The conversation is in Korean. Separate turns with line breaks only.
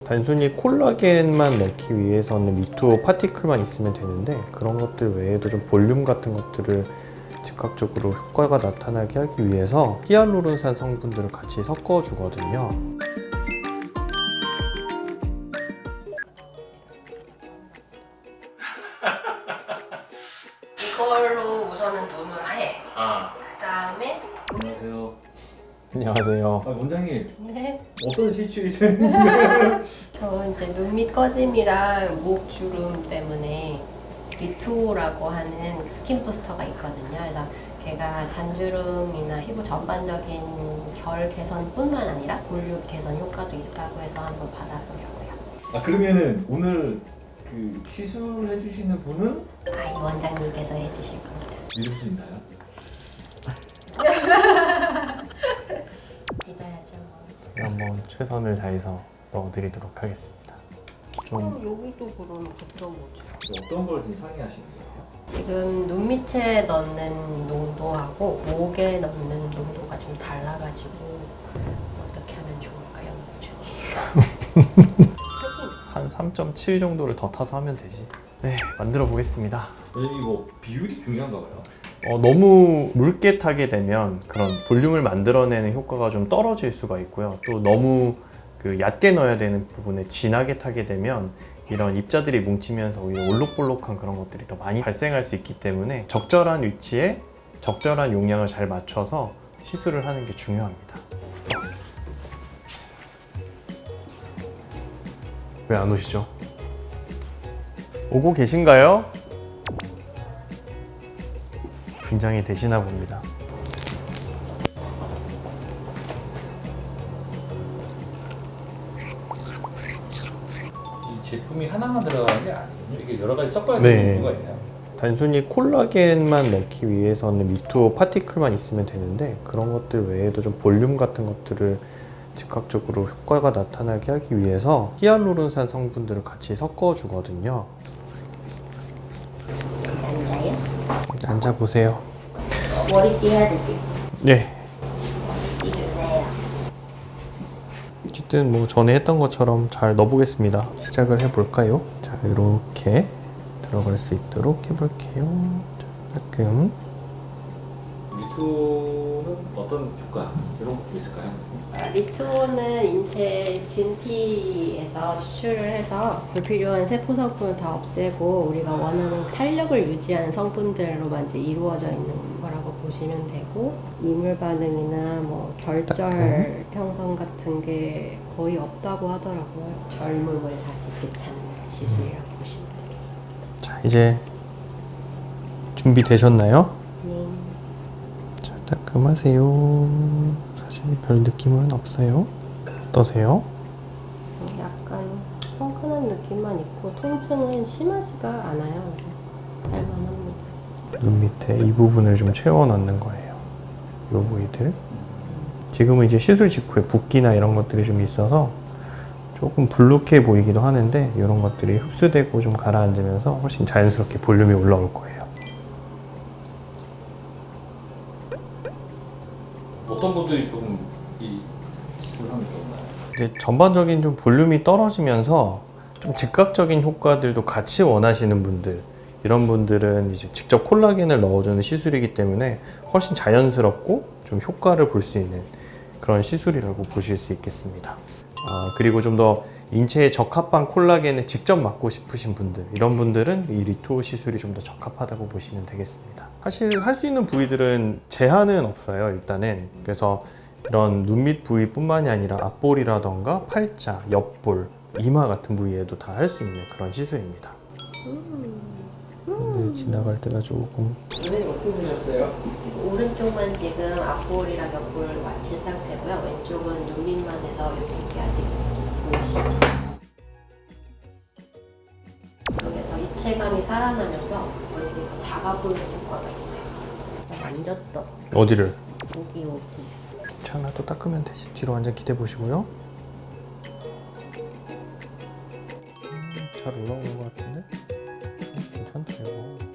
단순히 콜라겐만 넣기 위해서는 미투어 파티클만 있으면 되는데 그런 것들 외에도 좀 볼륨 같은 것들을 즉각적으로 효과가 나타나게 하기 위해서 히알루론산 성분들을 같이 섞어 주거든요.
이걸로 우선은 눈을 해. 그 다음에
안녕하세요.
안녕하세요.
원장님
네.
어떤 시츄에이션?
저 이제 눈 밑 꺼짐이랑 목 주름 때문에 미투라고 하는 스킨 부스터가 있거든요. 그래서 걔가 잔주름이나 피부 전반적인 결 개선뿐만 아니라 볼륨 개선 효과도 있다고 해서 한번 받아보려고요.
아 그러면은 오늘 그 시술해 주시는 분은
이 원장님께서 해주실 겁니다.
믿을 수 있나요?
믿어야죠.
한번 최선을 다해서 넣어드리도록 하겠습니다. 좀
여기도 그럼 붙여보죠.
어떤 걸 지금 상의하시는 거예요?
지금 눈 밑에 넣는 농도하고 목에 넣는 농도가 좀 달라가지고 어떻게 하면 좋을까요?
한 3.7 정도를 더 타서 하면 되지. 네, 만들어 보겠습니다.
원장님 뭐 비율이 중요한가 봐요.
너무 묽게 타게 되면 그런 볼륨을 만들어내는 효과가 좀 떨어질 수가 있고요. 또 너무 얕게 넣어야 되는 부분에 진하게 타게 되면 이런 입자들이 뭉치면서 오히려 올록볼록한 그런 것들이 더 많이 발생할 수 있기 때문에 적절한 위치에 적절한 용량을 잘 맞춰서 시술을 하는 게 중요합니다. 왜 안 오시죠? 오고 계신가요? 긴장이 되시나 봅니다.
이 제품이 하나만 들어가는 게 아니군요. 이게 여러 가지 섞어야
네.
되는 이유가 있나요?
단순히 콜라겐만 넣기 위해서는 미투어 파티클만 있으면 되는데 그런 것들 외에도 좀 볼륨 같은 것들을 즉각적으로 효과가 나타나게 하기 위해서 히알루론산 성분들을 같이 섞어 주거든요.
앉아요?
앉아보세요.
머리띠 해야 되지?
네.
이주세요.
어쨌든 뭐 전에 했던 것처럼 잘 넣어보겠습니다. 시작을 해볼까요? 자, 이렇게 들어갈 수 있도록 해볼게요. 자, 가끔
미토는 어떤 효과 이런 것도 있을까요?
미투는 인체 진피에서 추출을 해서 불필요한 세포 성분을 다 없애고 우리가 원하는 탄력을 유지하는 성분들로만 이제 이루어져 있는 거라고 보시면 되고 이물 반응이나 뭐 결절 형성 같은 게 거의 없다고 하더라고요. 젊음을 다시 되찾는 시술이라고 보시면 되겠습니다.
자, 이제 준비되셨나요?
네.
자, 따끔하세요. 사실 별 느낌은 없어요. 어떠세요?
약간 펑크는 느낌만 있고 통증은 심하지가 않아요. 할만합니다.
눈 밑에 이 부분을 좀 채워 넣는 거예요. 요 부위들. 지금은 이제 시술 직후에 붓기나 이런 것들이 좀 있어서 조금 불룩해 보이기도 하는데 이런 것들이 흡수되고 좀 가라앉으면서 훨씬 자연스럽게 볼륨이 올라올 거예요.
어떤 분들이 조금 이 시술을 하면 좋나요?
이제 전반적인 좀 볼륨이 떨어지면서 좀 즉각적인 효과들도 같이 원하시는 분들, 이런 분들은 이제 직접 콜라겐을 넣어주는 시술이기 때문에 훨씬 자연스럽고 좀 효과를 볼 수 있는 그런 시술이라고 보실 수 있겠습니다. 그리고 좀 더 인체에 적합한 콜라겐을 직접 맞고 싶으신 분들, 이런 분들은 이 리투어 시술이 좀 더 적합하다고 보시면 되겠습니다. 사실 할 수 있는 부위들은 제한은 없어요, 일단은. 그래서 이런 눈 밑 부위뿐만이 아니라 앞볼이라던가 팔자, 옆볼, 이마 같은 부위에도 다 할 수 있는 그런 시술입니다. 네, 지나갈 때가 조금
선생님 어떻게 되셨어요?
오른쪽만 지금 앞볼이랑 옆볼 마친 상태고요. 왼쪽은 눈 밑만 해서 이렇게 아직 보이시죠? 여기서 입체감이 살아나면서 얼굴이 더 작아 보이는 효과가 있어요. 만졌다.
어디를?
여기.
괜찮아, 또 닦으면 되지. 뒤로 완전 기대 보시고요. 잘 올라오는 것 같은데? 괜찮다 이거.